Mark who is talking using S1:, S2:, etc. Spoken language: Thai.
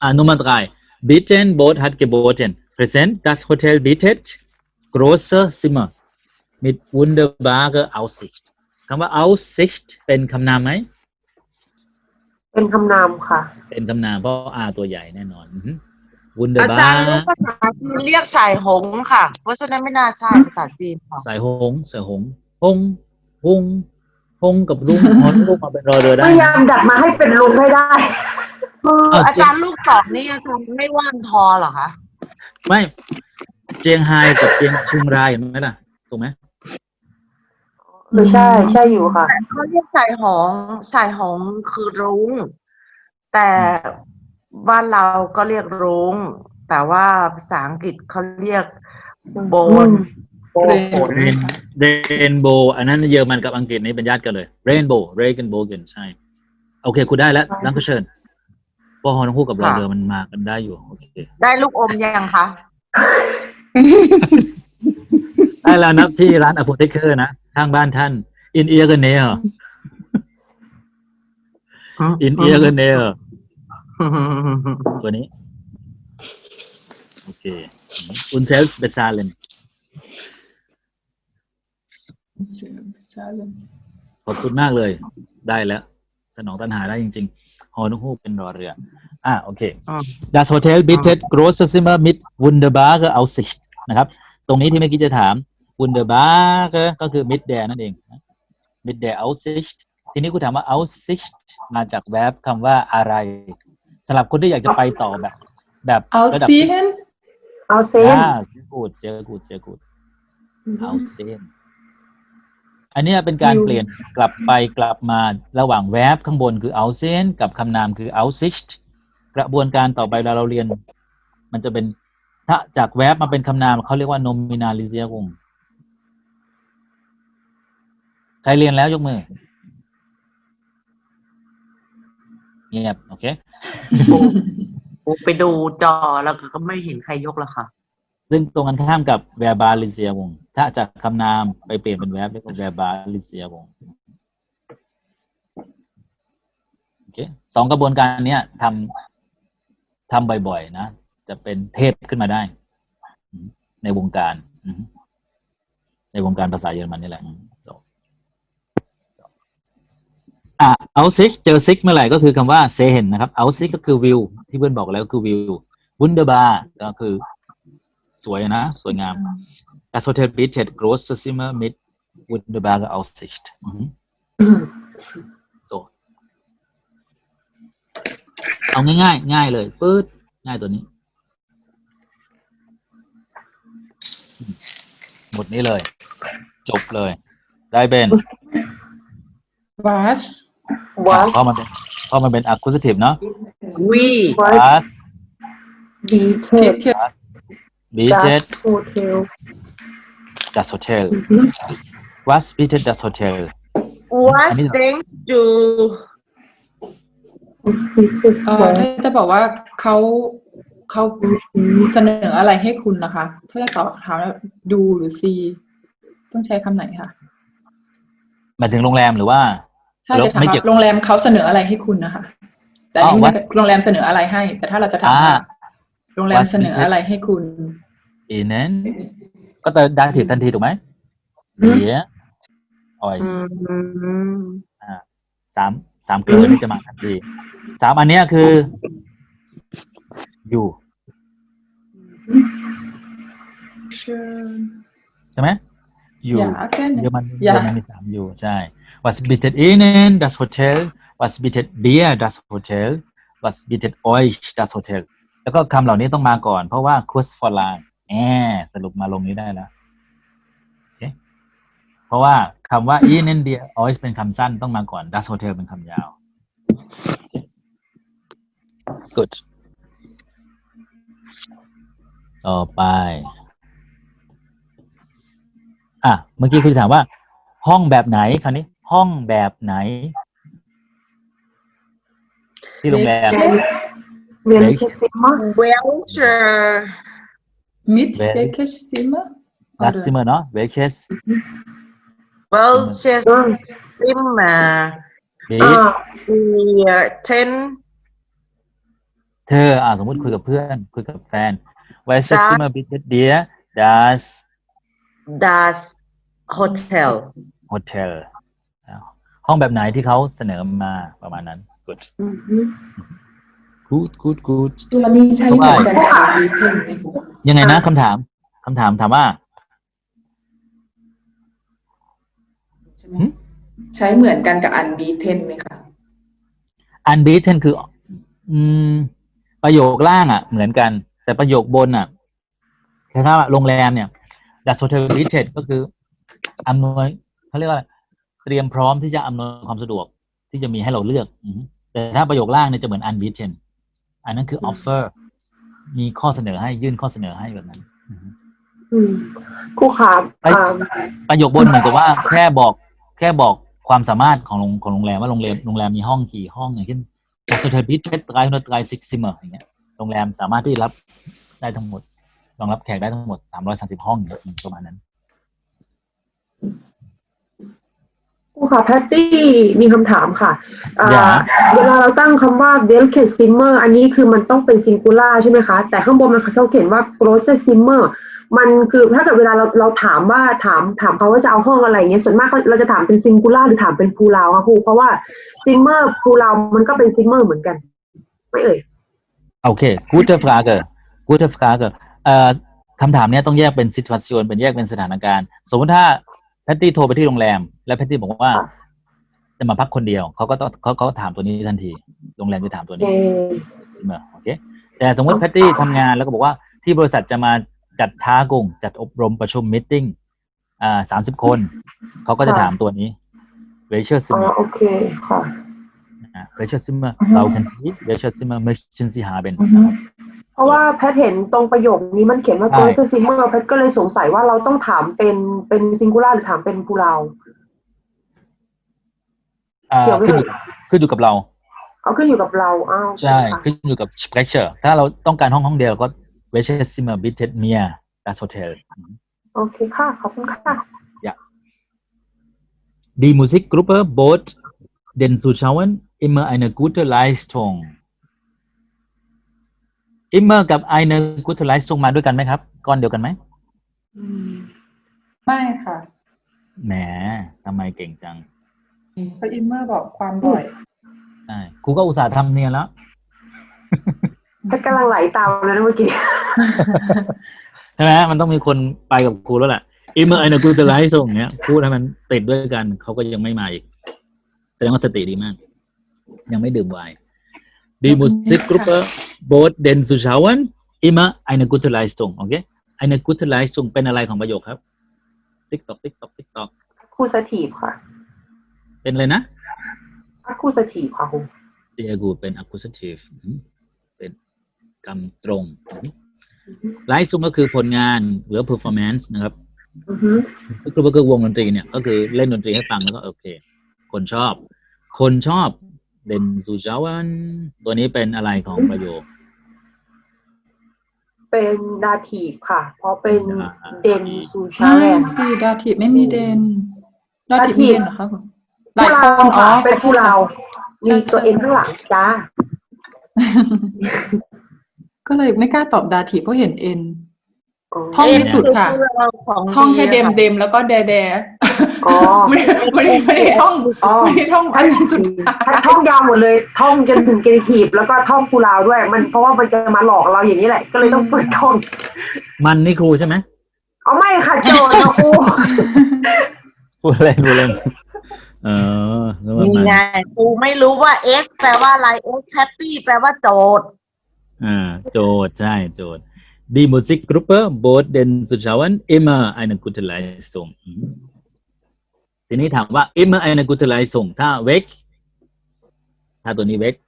S1: Nummer 3 Bieten Boot hat geboten Präsent das Hotel bietet große Zimmer mit wunderbare Aussicht คำว่า Aussicht เป็นคำนามไหม
S2: เป็นคำนามค่ะ
S1: เป็นคำนามเพราะ R ตัวใหญ่แน่นอน
S3: อาจารย์
S1: Wunderbar
S3: รู้ภาษาจีนเรียกสายหงส์ค่ะเพราะฉะนั้นไม่น่าใช่ภาษาจีนค่ะ
S1: สายหงหงหงกับลุงฮอนลูกมาเป็นรอเรือได้
S2: พยายามดัดมาให้เป็นลุงให้ได้
S3: อาจารย์ลูกสองนี่อาจารย์ไม่ว่างพอเหรอคะ
S1: ไม่เจียงไฮ้กับเชียงรายเห็นไหมล่ะถูกไหม
S2: ใช่อยู่ค่ะ
S3: เขาเรียกสายหงส์คือรุ้งแต่บ้านเราก็เรียกรุ้งแต่ว่าภาษาอังกฤษเขาเรียกโบนฝน
S1: เรนโบว์อันนั้นเยอรมันกับอังกฤษนี่เป็นญาติกันเลยเรนโบว์กันใช่โอเคคุณได้แล้วลังก็เชิญพอฮอนคู่กับรอเรือมันมากันได้อยู่โอเค
S3: ได้ลูกอมยังคะ
S1: ได้แล้วนะที่ร้านอโพเทคเกอร์นะข้างบ้านท่านอินเอียร์กันเนอร์ตัวนี้โอเคอุนเซลส์เบซาเลนขอบคุณมากเลยได้แล้วสนองตัณหาได้จริงๆฮอนฮูกเป็นรอเรือโอเค Das Hotel bietet große Zimmer mit wunderbare Aussicht นะครับตรงนี้ที่เมื่อกี้จะถาม wunderbare ก็คือ mit der นั่นเอง mit der Aussicht ทีนี้คุณถามว่า Aussicht มาจากแวร์บคำว่าอะไรสำหรับคนที่อยากจะไปต่อแบบระดับ
S2: Aussehen
S1: เสียกูด Aussehen อันนี้เป็นการเปลี่ยนกลับไปกลับมาระหว่างแวร์บข้างบนคือ Aussehen กับคำนามคือ Aussicht กระบวนการต่อไปเราเรียนมันจะเป็นถ้าจากแวร์บมาเป็นคำนามเขาเรียกว่า Nominalisierung ใครเรียนแล้วยกมือเงียบโอเค
S3: ไปดูจอแล้วก็ไม่เห็นใครยกแล้วค่ะ
S1: ซึ่งตรงกันข้ามกับ verbalisierung ถ้าจากคำนามไปเปลี่ยนเป็นแวร์บเรียกว่า verbalisierung โอเคสองกระบวนการนี้ทำบ่อยๆนะจะเป็นเทพขึ้นมาได้ในวงการภาษาเยอรมันนี่แหละAussicht เจอ Sicht เมื่อไหร่ก็คือคำว่า sehen นะครับ Aussicht ก็คือวิวที่เพื่อนบอกแล้วคือวิว Wunderbar ก็คือสวยนะสวยงาม Das Hotel bietet große Zimmer mit wunderbarer Aussicht เอาง่ายเลยปื๊ดง่ายตัวนี้หมดนี้เลยจบเลยได้เป็น
S2: Was
S1: เพราะมันเป็น accusative เนาะ
S3: We
S1: bietet das Hotel Was bietet das Hotel
S3: What things do
S4: ถ้าจะบอกว่าเขาเสนออะไรให้คุณนะคะ ถ้าจะตอบถามแล้วดูหรือ see ต้องใช้คำไหนคะ
S1: หมายถึงโรงแรมหรือว่า
S4: ถ้าจะถามว่าโรงแรมเขาเสนออะไรให้คุณนะคะแต่นี่ไม่โรงแรมเสนออะไรให้แต่ถ้าเราจะถามว่าโรงแรมเสนออะไรให้คุณ
S1: Ihnen ก็จะได้ถิดทันทีถูกไหมเดี๋ยวสามเกลือนี่จะมาทันที3อันนี้คืออยู่ใช่ไหมอยู่เยอรมันมี3อยู่ใช่ Was bietet Ihnen das Hotel Was bietet dir das Hotel Was bietet euch das Hotel แล้วก็คำเหล่านี้ต้องมาก่อนเพราะว่า Kurz vor lang สรุปมาลงนี้ได้แล้วโอเคเพราะว่าคำว่า Ihnen dir euch เป็นคำสั้นต้องมาก่อน das Hotel เป็นคำยาว Good ต่อไปเมื่อกี้คุณถามว่าห้องแบบไหนคราวนี้ห้องแบบไหนที่โรงแรม
S4: Mit welches Zimmer
S1: Das Zimmer เนาะ welches
S3: Welches Zimmer 10
S1: เธอสมมติคุยกับเพื่อนคุยกับแฟน Welches Zimmer bietet dir das
S3: das Hotel
S1: Hotel ห้องแบบไหนที่เขาเสนอมาประมาณนั้น good
S2: อือฮึ
S1: good
S4: ตัวนี้ใช้เหมือนกันกับอันบีเทนไหมคะ
S1: ยังไงนะคำถามถามว่า
S4: ใช่ไหมใช้เหมือนกันกับอันบีเทนไหมคะ
S1: unbeaten คือประโยคล่างเหมือนกันแต่ประโยคบนคือถ้าโรงแรมเนี่ย das Hotel bietet ก็คืออำนวยเขาเรียกว่าเตรียมพร้อมที่จะอำนวยความสะดวกที่จะมีให้เราเลือกแต่ถ้าประโยคล่างเนี่ยจะเหมือน unbeaten อันนั้นคือ offer มีข้อเสนอให้ยื่นข้อเสนอให้แบบนั้น
S2: ครูขา
S1: ประโยคบนเหมือนกับว่าแค่บอกความสามารถของโรงแรมว่าโรงแรมมีห้องกี่ห้องอย่างเช่น das Hotel bietet 330 Zimmer อย่างเงี้ยโรงแรมสามารถที่รับได้ทั้งหมดรองรับแขกได้ทั้งหมด330ห้องประมาณนั้น
S2: ครูขาแพตตี้มีคำถามค่ะเวลาเราตั้งคำว่า welches Zimmer อันนี้คือมันต้องเป็นซิงคูล่าใช่ไหมคะแต่ข้างบนมันเขาเขียนว่า großes Zimmer มันคือถ้าเกิดเวลาเราถามว่าถามเขาว่าจะเอาห้องอะไรเงี้ยส่วนมากเราจะถามเป็นซิงคูล่าหรือถามเป็นพูลาวค่ะครูเพราะว่าซิมเมอร์พูลาวมันก็เป็นซิมเมอร์เหมือนกันไม่เอ่ย
S1: โอเค gute Frage คำถามเนี้ยต้องแยกเป็น situation เป็นแยกเป็นสถานการณ์สมมติถ้าแพตตี้โทรไปที่โรงแรมแล้วแพตตี้บอกว่าจะมาพักคนเดียวเขาก็ต้องเขาถามตัวนี้ทันทีโรงแรมจะถามตัวนี้โอเคแต่สมมติแพตตี้ทำงานแล้วก็บอกว่าที่บริษัทจะมาจัดท้ากงจัดอบรมประชุมมีตติ้ง30 คนเขาก็จะถามตัวนี้ welches Zimmer
S2: โอเคค่ะ
S1: welches Zimmer brauchen Sie welches Zimmer möchten Sie haben
S2: เพราะว่าแพทเห็นตรงประโยคนี้มันเขียนว่า großes Zimmer แพทก็เลยสงสัยว่าเราต้องถามเป็นซิงคูล่าหรือถามเป็นพูลาว
S1: ขึ้นอยู่กับเรา
S2: ขึ้นอยู่กับเรา
S1: ใช่ขึ้นอยู่กับ Sprecher ถ้าเราต้องการห้องเดียวก็ welches Zimmer bietet mir das Hotel
S2: โอเคค่ะขอบคุณค่ะ
S1: Die Musikgruppe bot den Zuschauern immer eine gute Leistung immer กับ eine gute Leistung มาด้วยกันไหมครับก้อนเดียวกันไหม
S4: ไม่ค่ะ
S1: แหมทำไมเก่งจัง
S4: เพราะอิมเมอร์บอกความบ่อย
S1: ใช่ครูก็อุตส่าห์ทำเนียนแล้ว
S2: ถ้ากำลังไหลตามเลยนะเมื่อกี้
S1: ใช่ไหมมันต้องมีคนไปกับครูแล้วแหละimmer eine gute Leistung เนี้ยพูดให้มันติดด้วยกันเขาก็ยังไม่มาอีกแสดงว่าสติดีมากยังไม่ดื่มไวน์ Die Musikgruppe bot den Zuschauern immer eine gute Leistung โอเค eine gute Leistung เป็นอะไรของประโยคครับ TikTok
S2: accusative ค่ะ
S1: เป็นอะไรนะ
S2: accusative ค่ะครู
S1: sehr gut เป็น accusative เป็นกำตรง Leistung ก็คือผลงานหรือ performance นะครับก็คือวงดนตรีเนี่ยก็คือเล่นดนตรีให้ฟังแล้วก็โอเคคนชอบเด่นซูชาวันตัวนี้เป็นอะไรของประโยค
S2: เป็นดาทีฟค่ะเพราะเป็นเด่นซูชาวัน
S4: สิดาทีฟไม่มีเด่นดาทีฟมีเด่นเหรอคะคุณหลายคน
S2: เป็นผู้เรามีตัวเอ็นข้างหลังจ้า
S4: ก็เลยไม่กล้าตอบดาทีฟเพราะเห็นเอ็นท่องที่สุดค่ะท่องแค่เดมแล้วก็แดไม่ได้ท่องอันนั้นสุด
S2: ท่องยาวหมดเลยท่องจนถึงเกนิทีฟแล้วก็ท่องพูลาวด้วยมันเพราะว่ามันจะมาหลอกเราอย่างนี้แหละก็เลยต้องฝึกท่อง
S1: มันนี่ครูใช่ไหม
S2: ไม่ค่ะโจทย์นะครู
S1: พูดเล่น
S3: นี่ไงครูไม่รู้ว่า S แปลว่าอะไร S happy แปลว่าโจทย์
S1: โจทย์ใช่โจทย์Die Musikgruppe bot den Zuschauern immer eine gute Leistung ทีนี้ถามว่า immer eine gute Leistung ถ้า weg ถ้าตัวนี้ weg